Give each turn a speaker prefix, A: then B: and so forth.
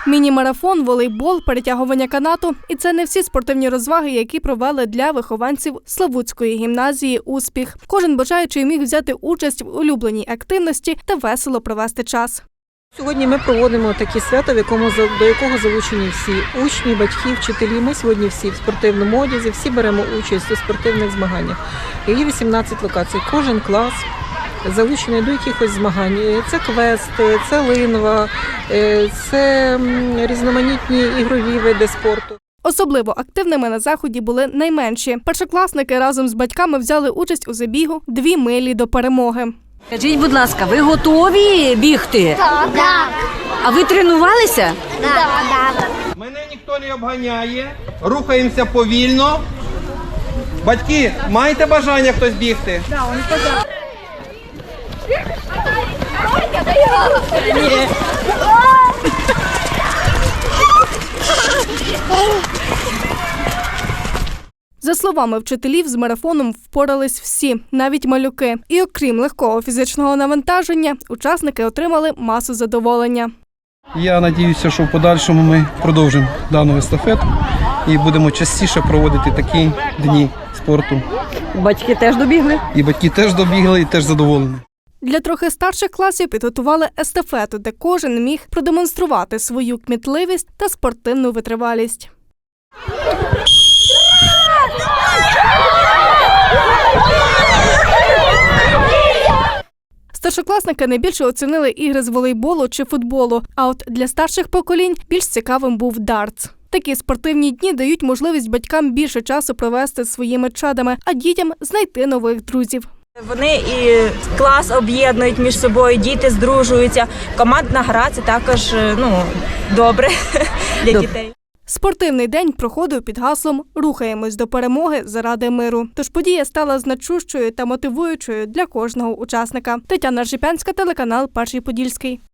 A: Міні-марафон, волейбол, перетягування канату – і це не всі спортивні розваги, які провели для вихованців Славутської гімназії «Успіх». Кожен бажаючий міг взяти участь в улюбленій активності та весело провести час.
B: Сьогодні ми проводимо таке свято, до якого залучені всі учні, батьки, вчителі. Ми сьогодні всі в спортивному одязі, всі беремо участь у спортивних змаганнях. Є 18 локацій. Кожен клас залучений до якихось змагань. Це квести, це линва, це різноманітні ігрові види спорту.
A: Особливо активними на заході були найменші. Першокласники разом з батьками взяли участь у забігу «2 милі до перемоги».
C: Скажіть, будь ласка, ви готові бігти?
D: Так.
C: А ви тренувалися?
D: Так.
E: Мене ніхто не обганяє, рухаємося повільно. Батьки, маєте бажання хтось бігти?
A: За словами вчителів, з марафоном впорались всі, навіть малюки. І окрім легкого фізичного навантаження, учасники отримали масу задоволення.
F: Я сподіваюся, що в подальшому ми продовжимо дану естафету і будемо частіше проводити такі дні спорту.
C: Батьки теж добігли?
F: І батьки теж добігли, і теж задоволені.
A: Для трохи старших класів підготували естафету, де кожен міг продемонструвати свою кмітливість та спортивну витривалість. Старшокласники найбільше оцінили ігри з волейболу чи футболу, а от для старших поколінь більш цікавим був дартс. Такі спортивні дні дають можливість батькам більше часу провести зі своїми чадами, а дітям знайти нових друзів.
G: Вони і клас об'єднують між собою, діти здружуються. Командна гра – це також добре для дітей.
A: Спортивний день проходив під гаслом «Рухаємось до перемоги заради миру». Тож подія стала значущою та мотивуючою для кожного учасника. Тетяна Ржепянська, телеканал «Перший Подільський».